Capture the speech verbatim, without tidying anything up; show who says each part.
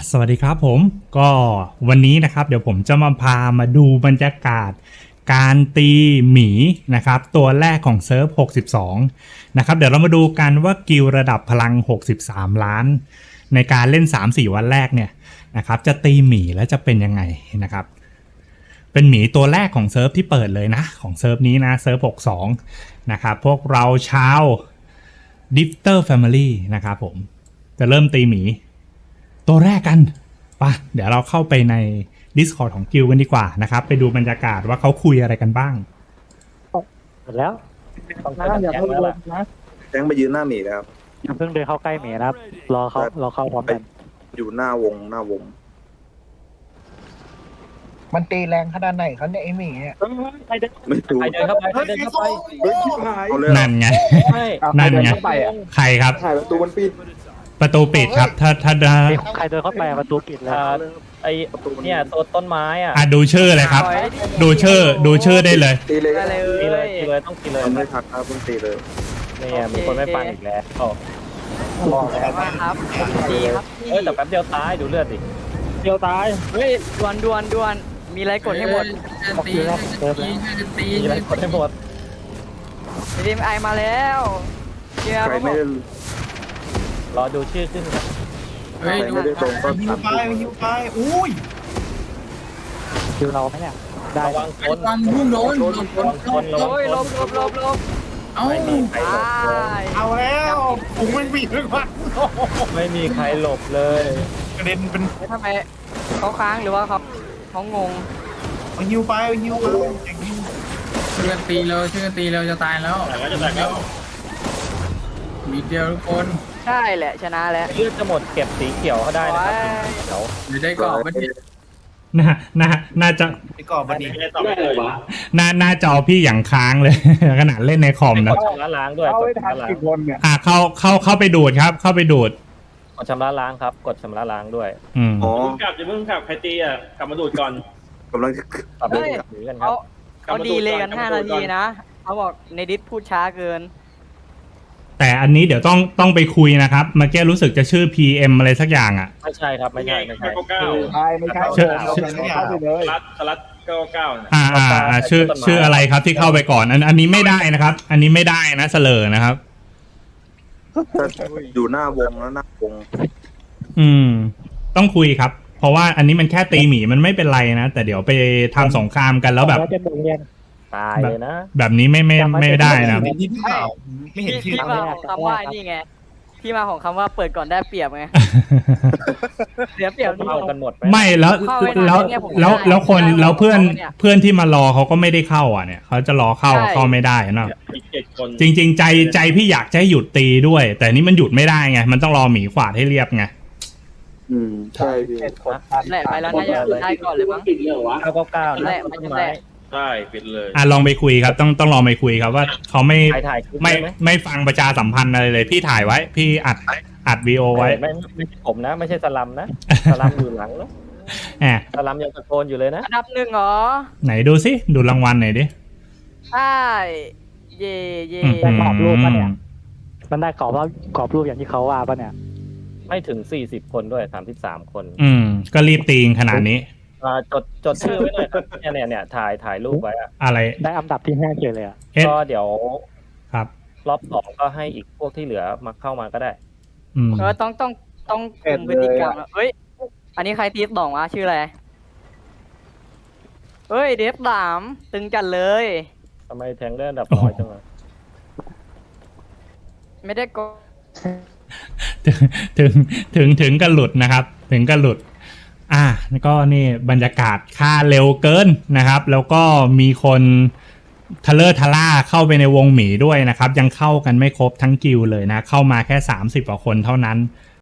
Speaker 1: สวัสดีครับผมก็วันนี้นะครับเดี๋ยวผมจะมาพามาดูบรรยากาศการตีหมีนะครับตัวแรกของเซิร์ฟหกสิบสองนะครับเดี๋ยวเรามาดูกันว่ากิลระดับพลังหกสิบสามล้านในการเล่น สามสี่ วันแรกเนี่ยนะครับจะตีหมีแล้วจะเป็นยังไงนะครับเป็นหมีตัวแรกของเซิร์ฟที่เปิดเลยนะของเซิร์ฟนี้นะเซิร์ฟหกสิบสองนะครับพวกเราชาวดิฟเตอร์แฟมิลี่นะครับผมจะเริ่มตีหมีตัวแรกกันป่ะเดี๋ยวเราเข้าไปใน Discord ของกิลกันดีกว่านะครับไปดูบรรยากาศว่าเขาคุยอะไรกันบ้าง
Speaker 2: หมดแล้วต้องนะอย่าเพิ่งเดินนะ
Speaker 3: แจ้งไปยืนหน้าหมีนะครับ
Speaker 2: อย่าเพิ่งเดินเข้าใกล้หมีนะครับรอเขารอเข้าพร้อมกัน
Speaker 3: อยู่หน้าวงหน้าวง
Speaker 4: มันตีแรงขนาดไหนเขาเนี่ยไอหมีเนี่ย
Speaker 2: ใครเดิน
Speaker 3: ไม่รู้
Speaker 5: ใครเดินเข้าไปใครเดินเข้าไป
Speaker 3: เฮ้ยชิบหายเอาเลยเหรอ
Speaker 1: นั่นไง
Speaker 5: ใช่
Speaker 1: นั่นไง
Speaker 5: เข้าไปอ่ะ
Speaker 1: ใครครับ
Speaker 3: ถ่ายประตูมันปิด
Speaker 1: ประตูปิดครับถ้าถ้าถ้า
Speaker 2: มีใครเดินเข้าไปประตูปิดแล้ว
Speaker 5: อ่าไอเนี่ยตัวต้นไม้อ่ะ
Speaker 1: อ่ะดูชื่อเลยครับ ดูชื่อดูชื่อได้เลย
Speaker 3: ตีเลย
Speaker 6: ได้เลย
Speaker 5: ตีเลยตีเลยต้องตีเลย
Speaker 3: ทำไม่ทักนะเพิ่งตีเลย
Speaker 5: เนี่ยมีคนไม่ฟังอีกแล้วโอ้
Speaker 6: บอกแล้วว่าครับดีครับพี่
Speaker 5: เอ้ยแต่แป๊บเดียวตายดูเลือดดิ
Speaker 2: เดียวตาย
Speaker 6: เฮ้ยดวนดวนดวนมีอะไรกดให้หมด
Speaker 2: ออกคิวแล้วเดินแล้ว
Speaker 5: มีอะไรกดให้หมด
Speaker 6: ดีมไอมาแล้วเชียร์
Speaker 3: ใครไม่ได้
Speaker 5: รอดูชื่อขึ้นครับ
Speaker 3: ใครไม่ได้ตรงก็
Speaker 4: หิว
Speaker 3: ทำ
Speaker 4: ไปหิวไปอุ้ย
Speaker 2: คิวเราไหมเนี่ยได้
Speaker 5: ระวังคน
Speaker 7: ฟันพุ่งโดน
Speaker 5: ระวังคนคนระวัง
Speaker 6: โอ้ย
Speaker 5: ค
Speaker 6: ล
Speaker 5: น
Speaker 6: บลบลบลบ
Speaker 7: เอ้า
Speaker 5: ไม่มีใครหล
Speaker 6: ตา
Speaker 5: บเลย
Speaker 6: ย
Speaker 4: เอาแล้วผมมันบีบเลยว่ะ
Speaker 5: ไม่มีใครหลบเลย
Speaker 4: กระเด็นเป็น
Speaker 6: ทำไมเขาค้างหรือว่าเขาเขางง
Speaker 4: เอาหิวไปเอาหิวไปอย่างนี้
Speaker 7: ช่วยกันตีเราช่วยกันตีเราจะตายแล้วแต่ก็จะตายแล้วมีเดียวทุกคน
Speaker 6: ใช่แหละชนะแล้ว
Speaker 5: เลือดจะหมดเก็บสีเขียวเขาได้นะครับสีเขียว
Speaker 7: หรือได้กรอบมันเนี่ย
Speaker 1: น่าน่าน่าจะ
Speaker 4: ไปก่อนบันนี้
Speaker 1: หน้าหน้าจอพี่อย่างค้างเลย ขนาดเล่นในคอมนะ
Speaker 5: กดชำระล้างด้วยกดชำระล้าง
Speaker 1: อ่ะเข้าเข้าเข้าไปดูดครับ เข้าไปดูด
Speaker 5: กดชำระล้างครับกดชำระล้างด้วย
Speaker 1: อืม
Speaker 3: อ๋อ
Speaker 8: เพิ่งกลับจะเพิ่งกลับใครตีอ่ะกลับมาดูดก่อน
Speaker 3: กำลังจะ
Speaker 5: กลับไปหนีกันครั
Speaker 6: เขา
Speaker 5: บ
Speaker 6: เขาดีเลยกันห้านาทีนะเขาบอกในดิสพูดช้าเกิน
Speaker 1: แต่อันนี้เดี๋ยวต้องต้องไปคุยนะครับเมื่อกี้รู้สึกจะชื่อ พี เอ็ม อะไรสักอย่างอ่ะ
Speaker 5: ไม่ใช่ครับไม่ใช่ไม่ใช่
Speaker 8: เก้าเก้า
Speaker 2: ใช่ไม่ใช่
Speaker 1: เชื่อ
Speaker 8: สลัดสลัดเก้าเก้าเนี่ย
Speaker 1: อ่าอ่าอ่าชื่อชื่ออะไรครับที่เข้าไปก่อนอันอันนี้ไม่ได้นะครับ อันนี้ไม่ได้นะเสลอนะครับ
Speaker 3: อยู่หน้าวงแล้วหน้าวง
Speaker 1: อืม ต้องคุยครับ เพราะว่าอันนี้มันแค่ตีหมีมันไม่เป็นไรนะ แต่เดี๋ยวไปทำสงครามกันแล้วแบบ
Speaker 2: จะโดนเรียน
Speaker 5: ตายเลยนะ
Speaker 1: แบบนี้ไม่ไม่ไม่ได้นะ
Speaker 4: เห็นที่พี่ข่าวไม่เห็น
Speaker 6: พี่
Speaker 4: ชื่อ
Speaker 6: ที่มาของคำว่านี่ไงที่มาของคำว่าเปิดก่อนได้เปรียบไงเสียเปรียบนี่
Speaker 5: เข้ากันหมดไหม
Speaker 1: ไม่แล้วแล้วแล้วแล้วคนแล้วเพื่อนเพื่อนที่มารอเขาก็ไม่ได้เข้าอ่ะเนี่ยเขาจะรอเข้าเข้าไม่ได้นะ
Speaker 8: อีกเจ็ดคน
Speaker 1: จริง ๆ ใจใจพี่อยากจะให้หยุดตีด้วย แต่นี่มันหยุดไม่ได้ไงมันต้องรอหมีขวาดให้เรียบไง
Speaker 3: อืมใช่พี่
Speaker 6: แหละไปแล้วน่าจะได้ก่อนเลยมั้ง
Speaker 5: เก้าเก้าเก้า
Speaker 6: แห
Speaker 5: นะ
Speaker 6: ละมัน
Speaker 5: ต้
Speaker 6: จะ
Speaker 5: น
Speaker 6: แห
Speaker 5: ไม้
Speaker 6: ละ
Speaker 8: ใช่ปิดเลย
Speaker 1: อ่ะลองไปคุยครับ ต้องต้องลองไปคุยครับว่าเขาไม่
Speaker 5: ถ่ายถ่ายคลิป
Speaker 1: ไม่
Speaker 5: ได้ไหม
Speaker 1: ไม่ฟังประชาสัมพันธ์อะไรเลย พี่ถ่ายไว้ พี่อัดอัดวีโอไว้
Speaker 5: ไม่ไม่ไม่ใช่ผมนะ ไม่ใช่สลัมนะสลัมอยู่หลังนะ
Speaker 1: แหม
Speaker 5: สลัมยังตะโกนอยู่เลยนะ
Speaker 6: อันดับหนึ่งเหรอ
Speaker 1: ไหนดูสิดูรางวัลหน่อยดิ
Speaker 6: ใช่เย่เย่
Speaker 1: อืม
Speaker 2: กรอบรูปปะเนี่ยมันได้กรอบแล้วกรอบรูปอย่างที่เขาว่าปะเนี่ย
Speaker 5: ไม่ถึงสี่สิบคนด้วยสามสิบสามคน
Speaker 1: อืม ก็รีบตีงขนาดนี้
Speaker 5: อ่าจดจดชื่อไว้หน่อยครับเนี่ยเนี่ยเนี่ยถ่ายถ่ายรูปไว้อะ
Speaker 1: อะไร
Speaker 2: ได้อันดับที่ห้าเฉยเลยอ่ะ
Speaker 1: เอ๊ะ
Speaker 5: ก็เดี๋ยว
Speaker 1: ครับ
Speaker 5: รอบสองก็ให้อีกพวกที่เหลือมาเข้ามาก็ได้
Speaker 1: อืม
Speaker 6: เออต้องต้องต้องคุมพฤติกรรมอะเฮ้ยอันนี้ใครทีสบอกว่าชื่ออะไรเฮ้ยเดฟสามตึงจัดเลย
Speaker 5: ทำไมแทงได้อันดับน้อยจังเลย
Speaker 6: ไม่ได้กด
Speaker 1: ถึงถึงถึงกันหลุดนะครับ ถึงกันหลุด อ่ะก็นี่บรรยากาศค่าเร็วเกินนะครับ แล้วก็มีคนทะเลอร์ทะล่าเข้าไปในวงหมีด้วยนะครับ ยังเข้ากันไม่ครบทั้งกิลด์เลยนะ เข้ามาแค่สามสิบกว่าคนเท่านั้น